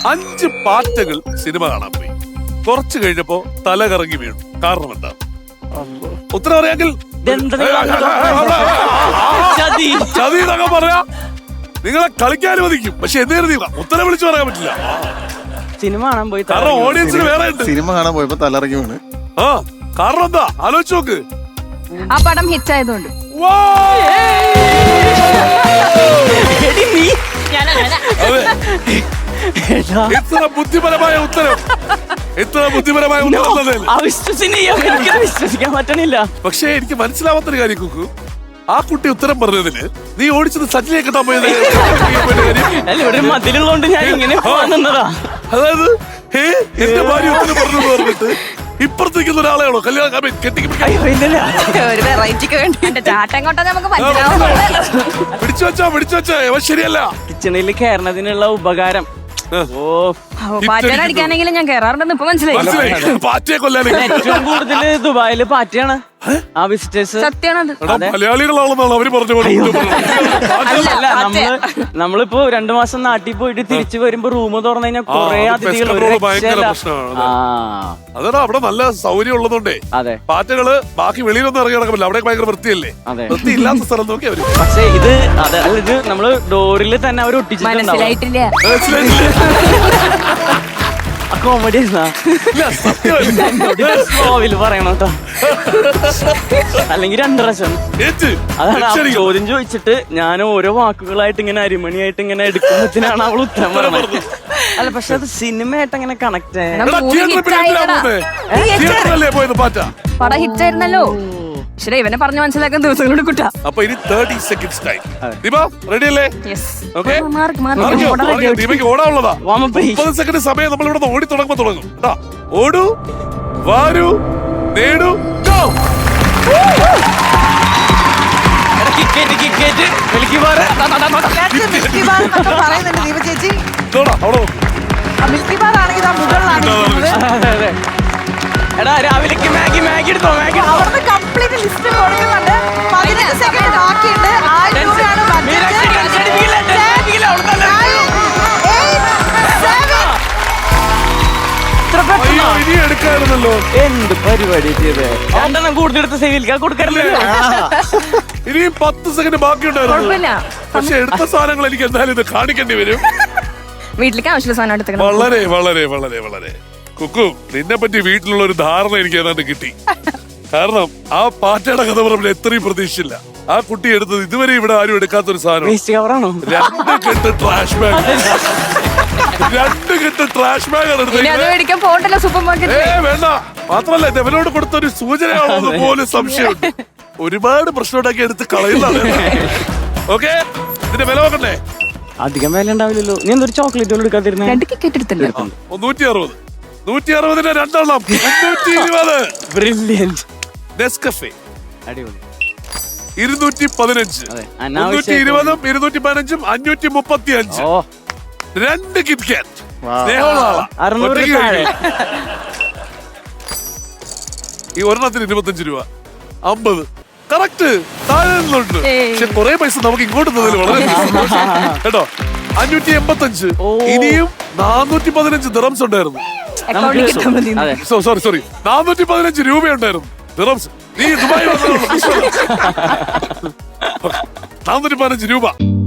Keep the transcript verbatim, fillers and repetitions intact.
അഞ്ച് പാറ്റകൾ സിനിമ കാണാൻ പോയി. കുറച്ചു കഴിഞ്ഞപ്പോ തല കറങ്ങി വീണു. കാരണം എന്താ? ഉത്തരം അറിയാമെങ്കിൽ ചതി എന്നൊക്കെ പറയാ. നിങ്ങളെ കളിക്കാൻ അനുവദിക്കും, പക്ഷെ എന്ത് കരുതിയില്ല, ഉത്തരം വിളിച്ചു പറയാൻ പറ്റില്ല. സിനിമ കാണാൻ പോയി. കാരണം ഓഡിയൻസിന് വേറെ ഉണ്ട്. സിനിമ കാണാൻ പോയപ്പോ തലറങ്ങി വീണ്. ആ കാരണം എന്താ ആലോചിച്ച് നോക്ക്. ആ പടം ഹിറ്റ് ആയതുകൊണ്ട്. എത്ര ബുദ്ധിപരമായ ഉത്തരം, എത്ര ബുദ്ധിപരമായ ഉത്തരം. വിശ്വസിക്കാൻ പറ്റണില്ല. പക്ഷെ എനിക്ക് മനസ്സിലാവാത്തൊരു കാര്യം കുക്കു, ആ കുട്ടി ഉത്തരം പറഞ്ഞതിന് നീ ഓടിച്ചത് സച്ചിനെ കിട്ടാൻ പോയത്. ഇവിടെ മതിലുള്ളതുകൊണ്ട് ഞാൻ ഇങ്ങനെ നിന്നതാ. അതായത് ഏ എന്റെ ഭാര്യ ഉത്തരം പറഞ്ഞു പറഞ്ഞിട്ട് ഇപ്പുറത്തേക്കുന്ന ഒരാളെയാണോ കല്യാണം പിടിച്ചു വെച്ചാ പിടിച്ചു വെച്ചാ ശരിയല്ല. കിച്ചണിൽ കയറുന്നതിനുള്ള ഉപകാരം. ഓ പാറ്റടിക്കാനെങ്കിലും ഞാൻ കേറാറുണ്ടെന്ന് ഇപ്പൊ മനസ്സിലായി. പാറ്റയെ കൊല്ലാൻ ഏറ്റവും കൂടുതൽ ദുബായില് പാറ്റയാണ് ആ വിസിറ്റേഴ്സ്. സത്യമാണത്. മലയാളികളാണെന്നാണ് അവര് പറഞ്ഞു. അല്ല നമ്മള് നമ്മളിപ്പോ രണ്ടു മാസം നാട്ടിൽ പോയിട്ട് തിരിച്ചു വരുമ്പോ റൂം തുറന്നു കഴിഞ്ഞാൽ കൊറേ അതിഥികൾ. അതാണ് അവിടെ നല്ല സൗകര്യം ഉള്ളതുകൊണ്ടേ. അതെ, പാറ്റകള് ബാക്കി വെളിയിലൊന്നും ഇറങ്ങി നടക്കില്ല. അവിടെ ഭയങ്കര വൃത്തിയല്ലേ. വൃത്തി ഇല്ലാത്ത സ്ഥലം നോക്കി അവര്. പക്ഷെ ഇത് അതെ ഇത് നമ്മള് ഡോറിൽ തന്നെ അവർ ഒട്ടിച്ചിട്ടുണ്ടാവും. കോമഡി പറയണോട്ടോ. അല്ലെങ്കിൽ രണ്ടു പ്രാവശ്യം. അതാണ് ചോദ്യം ചോദിച്ചിട്ട് ഞാൻ ഓരോ വാക്കുകളായിട്ട് ഇങ്ങനെ അരിമണിയായിട്ട് ഇങ്ങനെ എടുക്കുമ്പോഴത്തേനാണ് അവൾ ഉത്തരം പറയുന്നത്. അല്ല പക്ഷെ അത് സിനിമയായിട്ട് അങ്ങനെ കണക്ട് പടം ഹിറ്റ് ആയിരുന്നല്ലോ. ശരി, ഇവനെ പറഞ്ഞു മനസ്സിലാക്കാൻ ദിവസങ്ങളോട് കുട്ടാ. അപ്പൊ ഇനി thirty seconds time. Deepa ready അല്ലേ? ഓക്കെ, ദീപയ്ക്ക് ഓടാനുള്ളതാ. മുപ്പത് സെക്കൻഡ് സമയം നമ്മൾ ഇവിടെ ഓടി തുടങ്ങുമ്പോ തുടങ്ങും. ഓടൂ, വാരൂ, നേടൂ, എടാ രാവിലേക്ക് മാഗി മാഗി എടുത്തോ. മാഗി അവിടുന്ന് കംപ്ലീറ്റ് ലിസ്റ്റ് കൊടുക്കുന്നുണ്ട്. പതിനഞ്ച് സെക്കൻഡ് ബാക്കിയുണ്ട്. ആയിരം രൂപയാണ് ഇനി എടുക്കാറുണ്ടല്ലോ. എന്ത് പരിപാടി ചെയ്തേ. രണ്ടെണ്ണം കൂടുതലെടുത്ത് സേവിൽക്കാൻ കൊടുക്കാറില്ലല്ലോ. ഇനിയും പത്ത് സെക്കൻഡ് ബാക്കിയുണ്ടായിരുന്നു. പക്ഷെ എടുത്ത സാധനങ്ങൾ എനിക്ക് എന്തായാലും ഇത് കാണിക്കേണ്ടി വരും. വീട്ടിലേക്ക് ആവശ്യമുള്ള സാധനം എടുത്ത് വളരെ വളരെ വളരെ വളരെ കുക്കു, നിന്നെ പറ്റി വീട്ടിലുള്ള ഒരു ധാരണ എനിക്ക് ഏതാണ്ട് കിട്ടി. കാരണം ആ പാറ്റയുടെ കഥ പറഞ്ഞ എത്രയും പ്രതീക്ഷിച്ചില്ല. ആ കുട്ടി എടുത്തത് ഇതുവരെ ഇവിടെ ആരും എടുക്കാത്തൊരു സാധനം. രണ്ട് കെട്ട് ട്രാഷ് ബാഗ്. രണ്ട് കെട്ട് ട്രാഷ് ബാഗ് ആണ് എടുത്തത്. സൂപ്പർ മാർക്കറ്റ് വേണ്ട. മാത്രമല്ല ഇവനോട് കൊടുത്തൊരു സൂചനയാണോ പോലും സംശയമുണ്ട്. ഒരുപാട് പ്രശ്നം ഉണ്ടാക്കി എടുത്ത് കളയുന്നതാണ്. ഓക്കെ, ഇതിന്റെ വില നോക്കണ്ടേ? അധികം വില ഉണ്ടാവില്ലല്ലോ. നീ എന്തൊരു ചോക്ലേറ്റ് എടുക്കാതിരുന്ന? രണ്ട് ടിക്കറ്റ് എടുത്തില്ല. നൂറ്റി അറുപത് നൂറ്റി അറുപതിന് രണ്ടെണ്ണം മുന്നൂറ്റി ഇരുപത്. ബ്രില്യന്റ്. നെസ്കഫേ അടിപൊളി. ഇരുന്നൂറ്റി പതിനഞ്ച്. മുന്നൂറ്റി ഇരുപതും ഇരുന്നൂറ്റി പതിനഞ്ചും അഞ്ഞൂറ്റി മുപ്പത്തി അഞ്ച്. രണ്ട് കിറ്റ്കാറ്റ്. ഈ ഒരെണ്ണത്തിന് ഇരുപത്തഞ്ച് രൂപ. അമ്പത് കറക്റ്റ്. താഴെ നിന്നുണ്ട്. പക്ഷെ കുറെ പൈസ നമുക്ക് ഇങ്ങോട്ട് തന്നതിൽ വളരെ കേട്ടോ. അഞ്ഞൂറ്റി എൺപത്തി അഞ്ച്. ഇനിയും നാനൂറ്റി പതിനഞ്ച് ദിറംസ് ഉണ്ടായിരുന്നു. സോറി സോറി നാനൂറ്റി പതിനഞ്ച് രൂപയുണ്ടായിരുന്നു ദിറംസ്. നീ ദുബായ് നാനൂറ്റി പതിനഞ്ച് രൂപ.